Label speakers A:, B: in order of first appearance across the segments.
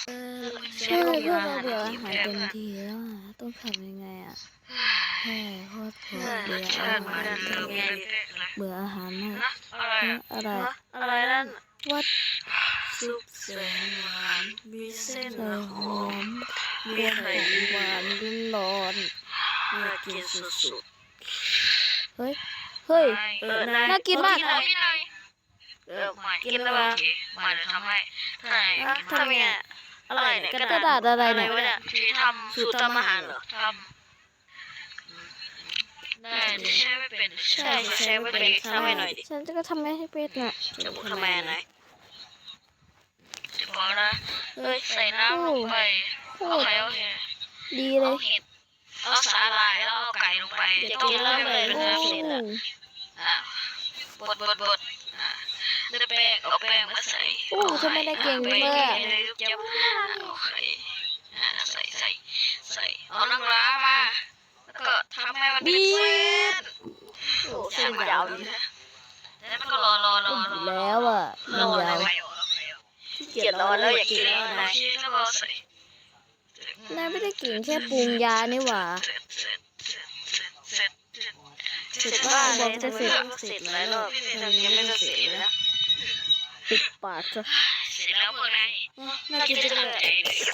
A: ใช่เพื่อนเราเบื่ออาหารเต็มทีแล้วอ่ะต้องทำยังไงอ่ะแค่โคตรเบื่ออาหารเบื่ออาหารมากอะไร
B: อะไรนั่น
A: วัด
B: ซุปแสนหวานมีเส้น
A: ใส่หอม
B: มีไข่
A: หวานร้อน
B: น่ากินสุด
A: เฮ้ย
B: ๆ
A: น่ากินมาก
B: กินแล้วบ้างมาเดี๋ยวทำให้ทำไงอะไรเนี่ย
A: กระดาษอะไรเนี่ย
B: วะเนี่ยที่ทำสูตรทำอาหารเหรอทำได้ใช้ไม่เป็นใช่ใช้ไม่เป็นทำให้หน่อยดิ
A: ฉันจะทำไม่ให้เป็ดน่ะ
B: จะบอกทำไมไหนพอนะใส่น้ำลงไปโอเค
A: ดีเล
B: เอา
A: ย
B: เห็ดเอาสาหร่ายแล้วเอาไก่ลงไปต้มแล้วเลยเป็น
A: โอ้
B: น้ำเสร็จอ่ะบดได้แป้งเอาแป้งมาใส่
A: โอ้ทำไมได้เก่งจังเลยอะ
B: โอเคใส่เอาน้ำร้ามาแล้วก็ทำให้มันเป็นเส้นโอ้เส้นยาวดีนะแล้วมันก็รอ
A: แล้วอ่ะมันยาว
B: เกลียดรอแล้วอยากกินแล้วนะแล้วก็ใส่
A: นายไม่ได้กินแค่ปรุงยานี่หว่า
B: เสร็จบ้านเลยจะเสร็จหลายรอบยังไม่เสร็จเลยนะ
A: ปิดปากซะ
B: เสร็จแล้วพวกนายน่ากินจังเลย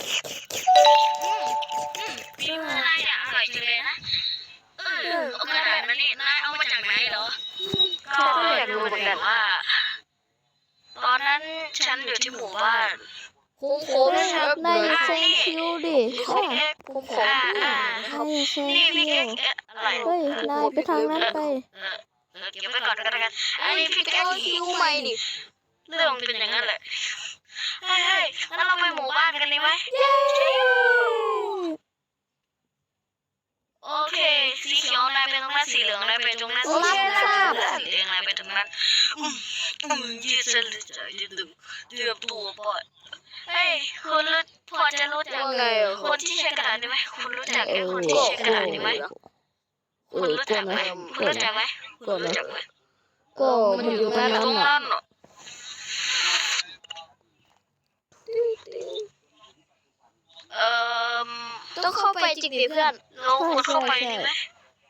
B: พี่ว่านายอร่อยจังเลยนะเอากระดาษมานี่นายเอามาจากไหนเหรอก็อยากรู้เหมือนกันว่าตอนนั้นฉันอยู่ที่หมู่บ้านโค้งนะครับ
A: นายอย่าเซ็งคิวดิ
B: โค้งนายอย่าเซ็ง
A: นายอย่าเซ็ง
B: นี่พี่
A: คิ
B: เก๊
A: ว
B: กอะไร
A: เฮ้ย นายไปทางนั้นไป
B: เก็บไว้ก่อนก็แล้วกันอันนี้พี่แก๊กคิวใหม่ดิเรื่องมันเป็นอย่างนั้นแหละเฮ้ยงั้นเราไปหมู่บ้านกันดีไหมโอเคสีเขียวนายไปตรงนั้นสีเหลืองนายไปตรงนั้นสีแดงนายไปตรงนั้นยืดเส้นใจยืดดึงเตรียมตัวปล่อยเฮ้ยคุณพอจะรู้จักคนที่ใช้กระดาษได้ไหมคุณรู้จักคนที่ใช้กระดาษได้ไหมคุณรู้จักไหมคุณรู้จักไหมคุณรู้จักไหม
A: ก็มันอยู่ตรงนั้นอ่ะ
B: ต้องเข้าไปจริงดิเพื่อนเราควรเข้าไปดีไหม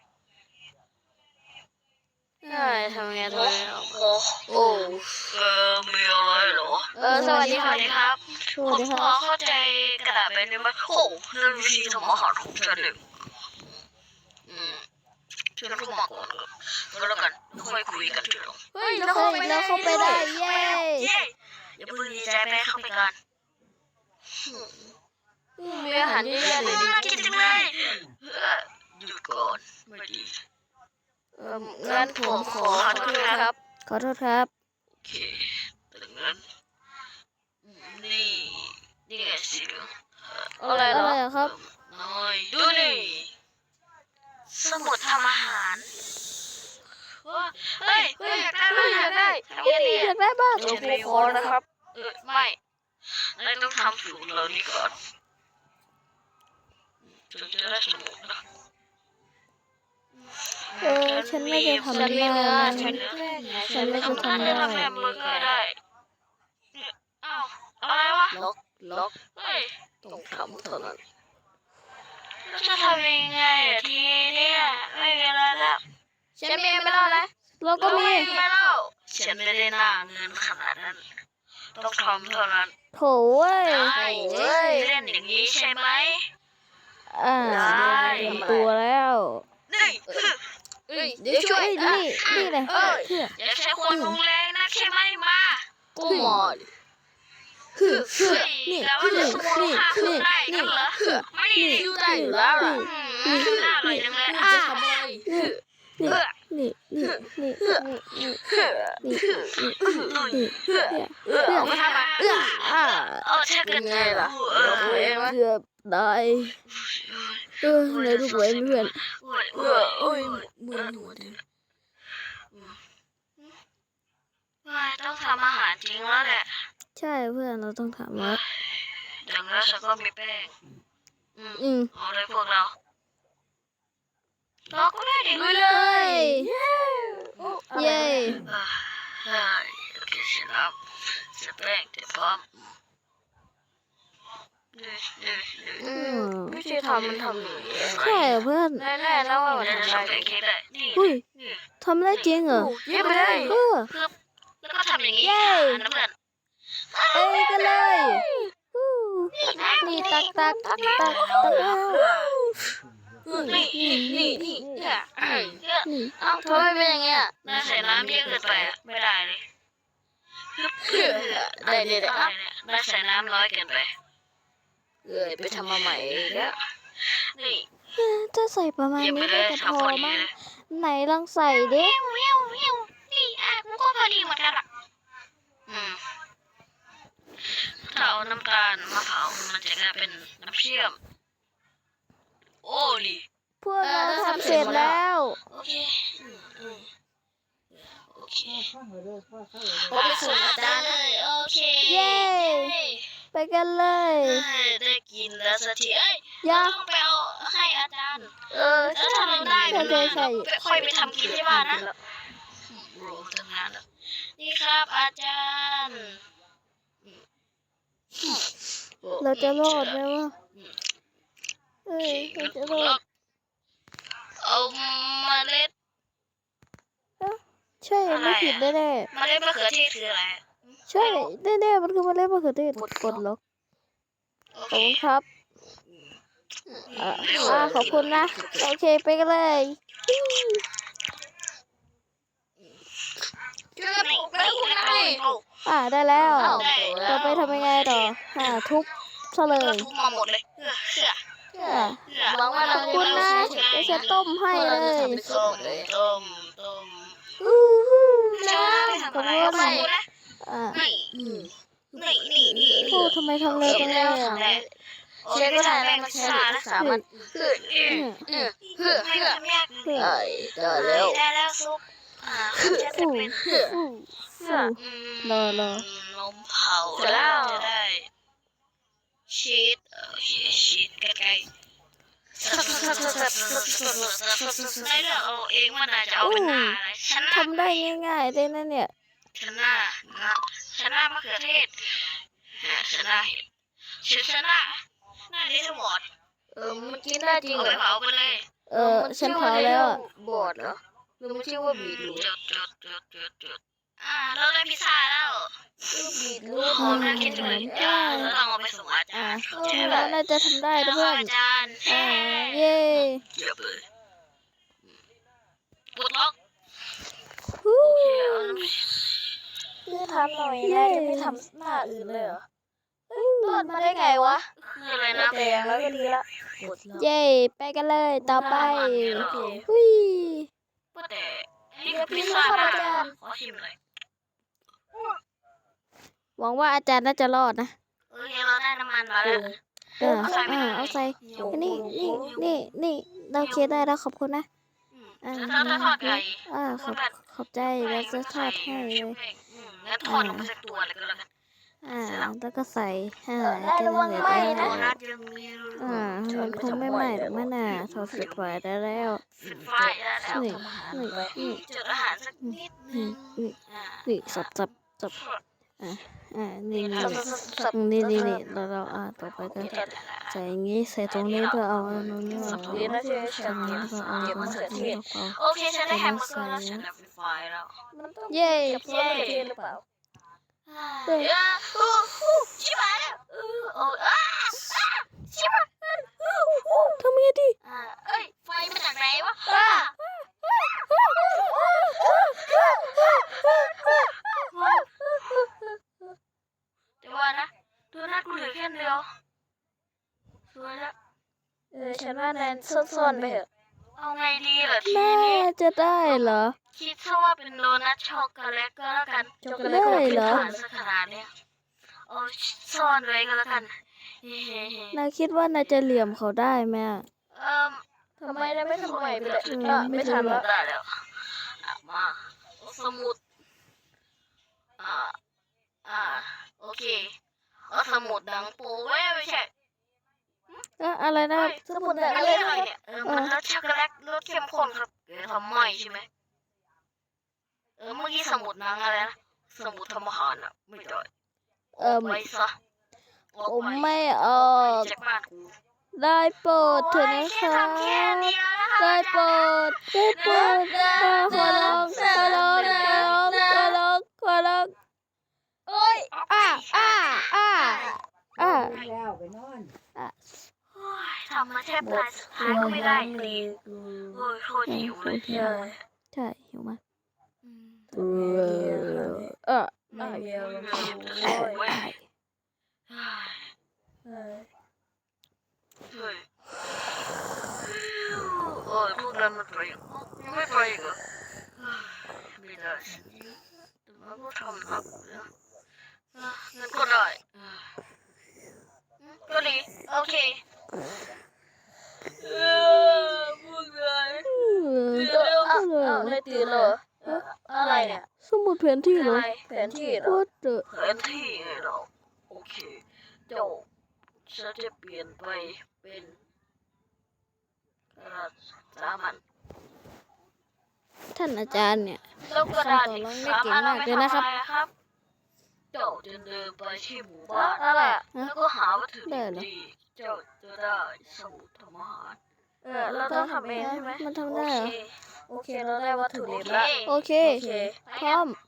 B: ได้ทำไงโอ้มีอะไรเหรอสวัสดีครับผมพอเข้าใจกระดาษไปได้ไหมโอ้นั่นวิธีทำอาหารของฉันเองฉันเข้ามาก่อนก็แล้วกันค่อยคุยกันทีหลัง
A: เฮ้ยเราเข้าไปได้เย้
B: อย่าเพิ่งดีใจไปเข้าไปกันมีอาหารเยอะแยะเลยน่ากินจังเลยหยุดก่อนไม่ดีงั้นผมขอโทษครับ
A: ขอโทษครับ
B: โอเคดังนั้นนี่ไงสิเหลืองอะไรเหรอ
A: ครับ
B: น้อยดูนี่สมุดทำอาหารเฮ้ยอยากได้ทำยังไง
A: อยากได้บ้าง
B: เดี๋ยวผมขอนะครับไม่นายต้องทำสูตรเหล่านี้ก่อนถึงจะได้สมุดนะ
A: ฉันไม่จะทำได้นะฉันไม่จะทำได้
B: ทำแฮมเบอร์เกอร์ได้อ้าวอะไรวะล็อกเฮ้ยต้องทำเท่านั้นแล้วจะทำยังไงทีเนี่ยไม่มีอะไรแล้วฉันมีไม่เล่านะ
A: เราก็มี
B: ไม่เล่าฉันไม่ได้หน้าเงินขนาดนั้นต้องทำเท่านั้น
A: โถเว้ย
B: ได้เล่นอย่างนี้ใช่ไหม
A: เตรียมตัวแล้ว
B: นี่เดี๋ยวช่วย
A: นี่เลย
B: อย่าใช้ความรุนแรงนะใช่ไหมมากูหมด
A: นี่
B: แล้วว่าจะสู้ฆ่าคุณได้กันเหรอไม่ได้อยู่แล้วหรอน่าอร่อยจังเลยเอาไปทำอะไรถ้าเกิดไงล่ะ
A: เกือบได้ในทุกเว้นเพื่อน
B: มือหนูดิต้องทำอาหารจริงแล้วแหละ
A: ใช่เพื่อนเราต้องทำแล้ว
B: อย่างนั้นฉันก็มีแป้งเอาเลยพวกเราก็ได้ดิลุยเลย
A: เย้
B: โอเคเสร็จแล้วเสร็จแป้งเดี๋ยวพร้อมวิธีทำมันทำอย่างนี้
A: ใช่เหรอเพื่อน
B: แน่ๆแล้วว่ามันทำได้เค้กได้นี่
A: อุ้ยทำได้จริงเหรอ
B: เยี่ยมไปเลย
A: เออ
B: แล้วก็ทำอย่างนี้
A: เย้
B: นะเพื่อน
A: ไปกันเลยฮู้นี่ตักแล้ว
B: นี่เอ้าทำไมเป็นอย่างเงี้ยน่าใส่น้ำเยอะเกินไปอ่ะไม่ได้เลยเดี๋ยวน่าใส่น้ำน้อยเกินไปไปทำมาใหม่แล้วนี่
A: ถ้าใส่ประมาณ
B: เยี่ยมไป
A: นี้
B: เล
A: ก็
B: ย
A: จะพ
B: ทำพ
A: อ
B: อดี
A: มั้ง
B: เลย
A: ไหนลองใส่ดิ
B: นี่กูก็พอดีเหมือนกันอ่ะถ้าเอาน้ำตาลมะพร้าวมันจะกลายเป็นน้ำเชื่อมโอ้ดิ
A: พวกเราทำเสร็จแล้ว
B: โอเคผมไปส่งอาจารย์เลยโอเค
A: เย้ ไปกันเลย
B: ได้กินแล้วสักทีเอ้ย
A: ยา
B: ต้องไปเอาให้อาจารย์ถ้าทำได้ค่อยไปทำกินที่บ้านนะโอ้ทำงานแล้วนี่ครับอาจารย์
A: เราจะรอดไหมวะเราจะรอด
B: เอาเมล็ด
A: ใช่ไม่ผิดแน่
B: เมล็ดมะเขือเทศคืออะไร
A: ๆใช่แน่ๆมันคือเมล็ดมะเขือเทศกดล็อก
B: โอ
A: ข
B: เค
A: อบคุณครับขอบคุณนะ โอเคไปกันเลย ได้แล้ว ต่อไปทำยังไงต่อทุบซะเล
B: ก็
A: ย
B: ทุบมาหมดเลยหวังว่า
A: ข
B: เรา
A: อบคุณนะเดี๋ยวจะต้มให้เลย
B: ต้ม
A: ขอบคุณนะโอ้ทำไมทำเลยจังเลยอ่ะ
B: เชฟก็ทำแป้งชานะสามันได้แล้วซุปจะเป็น
A: รอ
B: นมเผาแล้วจะได้ชีสชีสใกล้ๆได้เลือกเอาเองว่าน่าจะเอาเป็นหน้าอะไรฉันน่า
A: ทำได้ง่ายๆเลยนะเนี่ย
B: ฉันน่ามะเขือเทศฉันน่าเห็ดฉันน่าดิสบอดมันกินได้จริงเหรอเผาไปเลย
A: ฉันเผาแล้วอ่ะ
B: บอดเหรอหรือมันชื่อว่าบีทรูทเราได้พิซซ่าแล้วบีทรูทหอมน่ากินจังเลยเราต้องเอาไปส่งอาจารย์
A: แล้วน่าจะทำได้นะเพื่อน
B: อาจารย์
A: เย้
B: เยี่ยมเลยปลดล็อก
A: ฮู้
B: คือทำหน่อยนะจะไม่ทำหน้าอื่นเลยเหรอรอดมาได้ไงวะคืออะไรนะแดงแล้วก็ดีละ
A: เย้ไปกันเลยต่อไปหุ้ย
B: แต่นี่คือพิซซ่าอาจารย์ขอชิมหน่อย
A: หวังว่าอาจารย์น่าจะรอดนะ
B: เราได้น้ำมันมาแล้ว
A: เอาใส่นี่เราเคได้แล้วขอบคุณนะ
B: ถ้าทอดไก่
A: ขอบใจแล้วจะทอดให้เลย
B: งั้นทอดลงไปสักตัวเลยก็แล้วกัน
A: แล้วก็ใส่
B: ได้ระวังไหมนะ
A: มันคงไม่ไหม้หรอกแม่น่ะทอดเสร็จไว้ได้แล้ว
B: ปิดไฟได้แล้วจุดอาหารสักนิดนึง
A: นี่สับนี่เราต่อไปก็ใส่อย่างนี้ใส่ตรงนี้เพื่อเอาตรงนี้มา
B: โอเคฉันได้แฮมเบอร์เกอร์แล้วฉันได้ไฟแล้ว
A: เย้
B: หรือเปล่าชิบะแล้วชิบะ
A: ทำยังไงดี
B: เอ้ยไฟมาจากไหนวะเดี๋ยวว่านะดูหน้ากูเหลือแค่เดียวสวยแล้ว
A: ฉันว่าแนนซ่อนๆไปเถอะ
B: เอาไงดีเหรอที
A: น่า
B: นี้
A: จะได้เหรอ
B: คิดซะว่าเป็นโดนัทช็อกโกแลตก็แล้วกัน
A: ได้เหรอ
B: สักขนาดเนี้ยเอาซ่อนไว้ก็แล้วกัน
A: นายคิดว่านายจะเหลี่ยมเขาได้ไหม
B: ทำไมได้ไม่ทำใหม่ไปเลย
A: ไม่ทันแล้ว
B: ได้แล้วมาสมุดโอเคเอาสมุดดังปูไว้ไม่ใช่
A: อะไรนะ
B: สมุดดังอะไรเนี่ยมันรสช็อกโกแลตรสเข้มข้นครับเดี๋ยวทำใหม่ใช่ไหมเมื่อกี้สมุดนังอะไรนะสมุดทำอาหารอ่ะไม่ได้ไว้ซะ
A: ผมไม่ออก
B: จากบ้านกู
A: ได้โปรดเถอะนะคะได้โปรดได้โปรดขอร้องขอร้องขอร้องขอร้องขอร้อง
B: โอ้ย
A: อ่า
C: แล้วไปนอน
B: ทำมาแทบตายสุดท้ายก็ไม่ได้เลยโอ้ยโคตรหิวเลย
A: ใช่หิวมาก
B: ไม่เดียวเว้ยโอ้ยพวกนั้นมันไปยังไม่ไปอีกเหรอไม่ได้แต่มันก็ทำครับนั่นก็ได้ก็ดีโอเคพวกนั้นไม่ตื่นเหรออะไรเนี่ย
A: สมุดแผนที่เหรอ
B: แผนที่เหรอ
A: ว่าเจอ
B: แผนที่เหรอโอเคเจ้าฉันจะเปลี่ยนไปเป็นสามัญ
A: ท่านอาจารย์เนี่ย
B: แล้วก็ได้
A: คำต่อรองได้เก่งมากเลยนะครับ
B: เจ้าจะเดินไปที่หมู่บ้านนั่นแหละแล้วก็หาวัตถุดิบดีเจ้าจะได้สมุดทำอาหารเราต้องทำเองใช่ไหม
A: มันทำได้เหรอ
B: โอเคเราได้วัตถุดิบแล้ว
A: โอเค พร้อม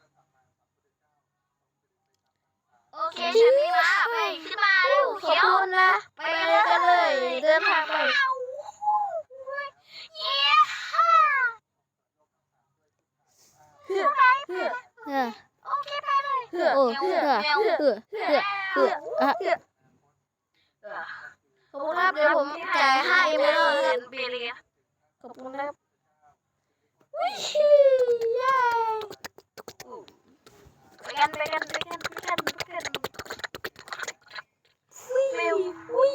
B: โอเคฉันนี่มาไปขึ้นมาเร็ว
A: ขอบคุณนะ
B: ไปเลยกันเลย เดินทางไปเย้ฮ่า
A: เออ
B: โอเคไปเลย
A: โอ้เพื่อ
B: ขอบคุณครับเดี๋ยวผมจ่ายให้ไม่ต้องเงินเบียร์ขอบคุณครับวิชิเย้ไปกันเร็ววิ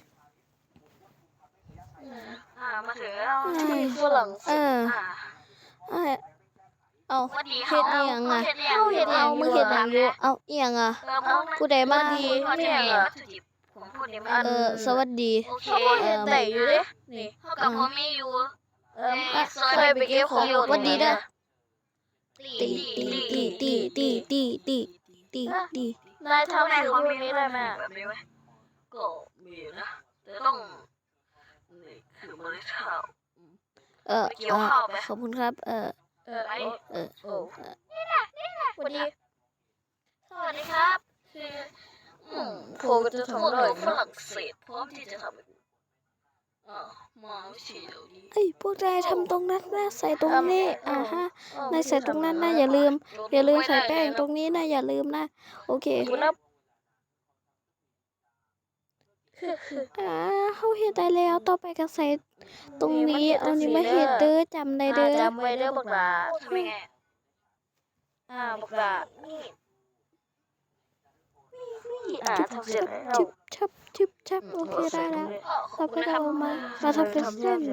B: มาถึงแล้วที่ฝรั่ง
A: เออเอา
B: วันดี
A: เฮ็ดอีหยังอ่ะ เอามึงเฮ็ดหยังอยู่เอาอีหยังอ่ะ ผู้ใดมาดี
B: ผมพูดได้ไหม
A: สวัสดี
B: โอเคแต่อยู่ดินี่เท่ากับผมมีอยู่ซอยไปเก็บของอยู่
A: วันดีเด้อ
B: ตี
A: ตี
B: นายทำสิ่งพวกนี้ได้ไหมแบบนี้ไหมก็มีนะแต่ต้องนี่คือเมล็ดข้าว
A: ขอบคุณครับ
B: ไปนี่แหละสวัสดีสวัสดีครับคือผมจะทำอะไรฝรั่งเศสพร้อมที่จะทำมาไม่ใช่เดี๋ยวนี้
A: เอ้ยพวกนายทำตรงนั้นนะใส่ตรงนี้ฮะนายใส่ตรงนั้นนะอย่าลืมใส่แป้งตรงนี้นะอย่าลืมนะโอเคเขาเฮ็ดได้แล้วต่อไปก็ใส่ตรงนี้เอานี่มาเฮ็ดเด้อจำได้เด้อ
B: จำไว้เด้อบักหลาทำยังไงบักหลาทำเสร็จแล้ว
A: ชิบโอเคได้แล้วเราก็เอามาเราทำเป็นเส้น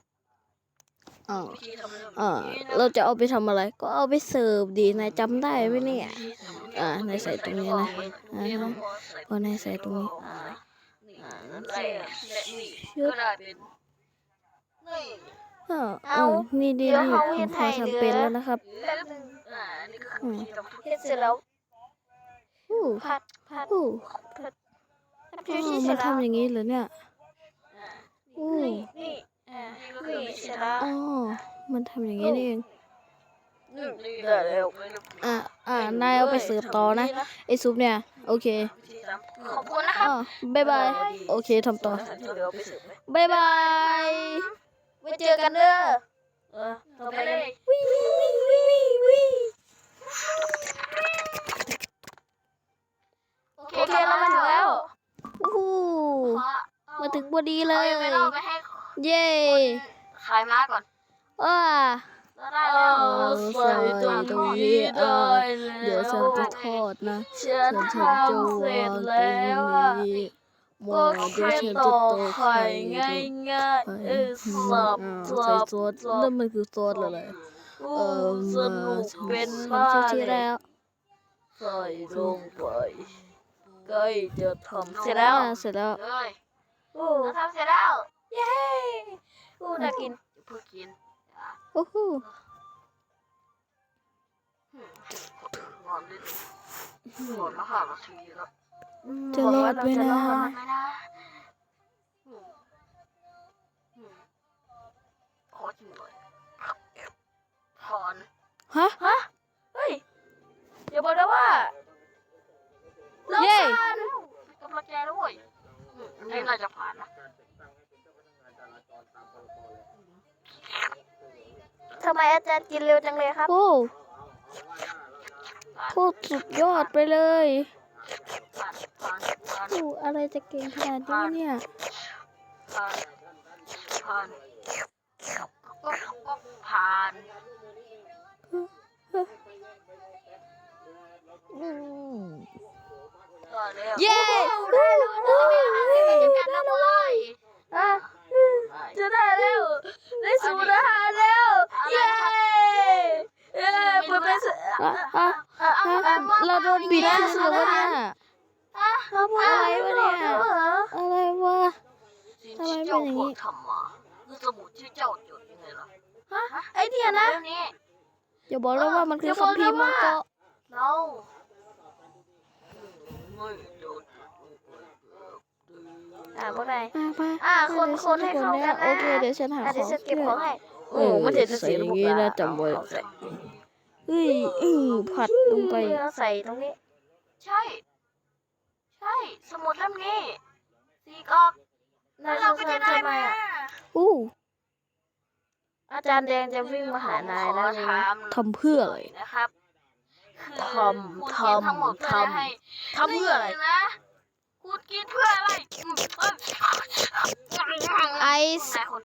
A: เราจะเอาไปทำอะไรก็เอาไปเสิร์ฟดีนายจำได้ไหมเนี่ยนายใส่ตรงนี้นะพอนายใส่ตรงนี้นี่ดีผมพอทำเป็นแล้วนะครับ
B: เฮ็ดเสร็จแล้ว
A: ผัดมันทำอย่างนี้เหรอเนี่ยอ๋อมันทำอย่างนี้นี่เองนายเอาไปเสิร์ฟต่อนะไอซุปเนี่ยโอเค
B: ขอบคุณนะครับ
A: บ๊ายบายโอเคทำต่อบ๊ายบาย
B: ไว้เจอกันเด้อต่อไปเลยโอเคเรามาถึงแล้ว
A: มาถึงพอดีเลย
B: ไปเราไปให้
A: เย้
B: ขายม้าก่อน ได้แล้ว
A: ใส่ตรงนี้เดี๋ยวฉันจะทอดนะฉันจะวางตรงนี้
B: ก็แค่ต่อไข่ง่ายสับ
A: ใส่ซอสนั่นมันคือซอสอะไร
B: สนุกเป็นมาก
A: ที่แล้ว
B: ใส่ลงไปใกล้จะทำเสร็จแล้ว
A: เสร็จแล้ว
B: เราทำเสร็จแล้ว เย้น่ากินเพิ่งกิน
A: โอ้โห
B: งอนนิดหมดมา5 นาทีแล้ว
A: จะรอดไหมนะ
B: ขอจิ้มหน่อยถอน
A: ฮะ
B: เฮ้ยอย่าบอกนะว่า
A: เย้
B: กำลังใจด้วยนี่น่าจะผ่านนะ
C: ทำไมอาจารย์กินเร็วจังเลยครับ
A: โอ้โคตรสุดยอดไปเลย
B: ผ่าน
A: โอ้อะไรจะเก่งขนาดนี้วะเนี่ย
B: ผ่านก็ผ่าน
A: เย้
B: จัดการแล้วเว้ย
C: จะได้แล้วได้สูตรอาหารแล้ว เย้เปิดเป็น
A: เราโดนบิดเสือวะเนี่ยอะไรวะเนี่ย อะไรวะ
B: สิ่งที่เจ้าพวกทำมาคือสมุดที่เจ้าจดยังไงล่ะ
C: ไอเนี่ยนะ
B: เรื่องนี้
A: อย่าบอกเลยว่ามันคือคัมภีร์มังกร
B: เราไม่โดน
C: พวกนาย
A: มา
C: คนให้เข้ากันนะ
A: โอเคเดี๋ยวฉันหาข
C: เดี๋ย
A: อ
C: ว
A: ง
C: ฉันเก็บของให้
A: มันจะใส่อย่างนี้นะจำไว้เฮ้ยผัดลงไป
C: ใส่ตรงนี้
B: ใช่ สมุดเล่มนี้สีกอบ
C: นาย
B: เราก็จะได้
C: ทำไม
B: มา
C: อ่ะ
A: อู้
C: อาจารย์แดงจะวิ่งมาหานายแล้ว
B: ขอ
C: ใช่ไหม
B: ถาม
A: ทำเพื่ออะไร
B: นะครับ
C: ทำทำเพื่ออะไร
B: นะกูกินเพื่ออะไร
A: ไอ
B: นายคน